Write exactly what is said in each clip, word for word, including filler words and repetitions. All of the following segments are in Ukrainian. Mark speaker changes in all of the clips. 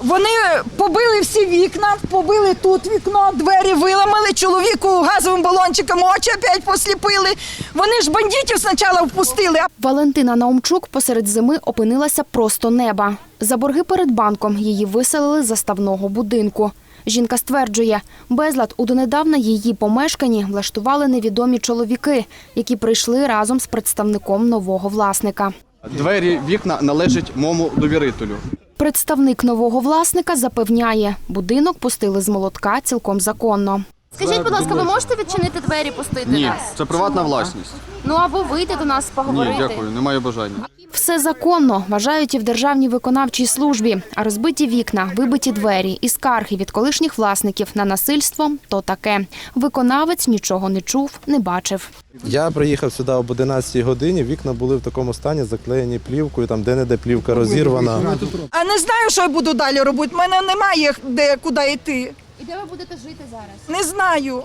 Speaker 1: Вони побили всі вікна, побили тут вікно, двері виламали, чоловіку газовим балончиком очі опять посліпили. Вони ж бандитів спочатку впустили.
Speaker 2: Валентина Наумчук посеред зими опинилася просто неба. За борги перед банком її виселили з заставного будинку. Жінка стверджує, безлад у донедавна її помешканні влаштували невідомі чоловіки, які прийшли разом з представником нового власника.
Speaker 3: Двері, вікна належать моєму довірителю.
Speaker 2: Представник нового власника запевняє, будинок пустили з молотка цілком законно.
Speaker 4: Скажіть, будь ласка, ви можете відчинити двері, пустити
Speaker 3: Ні,
Speaker 4: нас?
Speaker 3: це приватна власність.
Speaker 4: Ну або вийти до нас, поговорити.
Speaker 3: Ні, дякую, немає бажання.
Speaker 2: Все законно, вважають і в Державній виконавчій службі. А розбиті вікна, вибиті двері і скарги від колишніх власників на насильство – то таке. Виконавець нічого не чув, не бачив.
Speaker 5: Я приїхав сюди об одинадцятій годині, вікна були в такому стані, заклеєні плівкою, там де-не-де плівка розірвана.
Speaker 1: А не знаю, що я буду далі робити. У мене немає де, куди йти.
Speaker 4: І де ви будете жити зараз?
Speaker 1: Не знаю.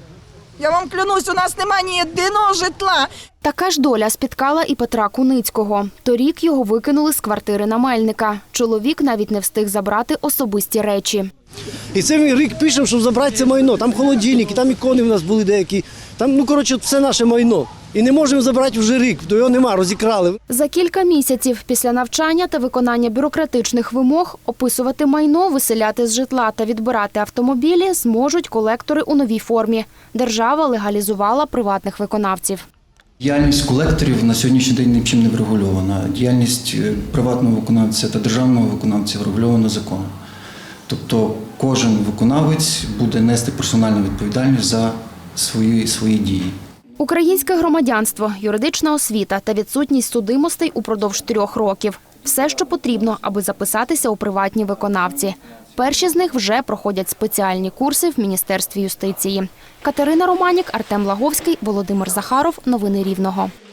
Speaker 1: Я вам клянусь, у нас немає ні єдиного житла.
Speaker 2: Така ж доля спіткала і Петра Куницького. Торік його викинули з квартири на Мельника. Чоловік навіть не встиг забрати особисті речі.
Speaker 6: І це він рік пішов, щоб забрати це майно. Там холодильники, там ікони в нас були деякі. Там, ну, коротше, все наше майно. І не можемо забрати вже рік, то його нема, розікрали.
Speaker 2: За кілька місяців після навчання та виконання бюрократичних вимог описувати майно, виселяти з житла та відбирати автомобілі зможуть колектори у новій формі. Держава легалізувала приватних виконавців.
Speaker 7: Діяльність колекторів на сьогоднішній день нічим не врегульована. Діяльність приватного виконавця та державного виконавця врегульована законом. Тобто кожен виконавець буде нести персональну відповідальність за свої, свої дії.
Speaker 2: Українське громадянство, юридична освіта та відсутність судимостей упродовж трьох років. Все, що потрібно, аби записатися у приватні виконавці. Перші з них вже проходять спеціальні курси в Міністерстві юстиції. Катерина Романік, Артем Лаговський, Володимир Захаров. Новини Рівного.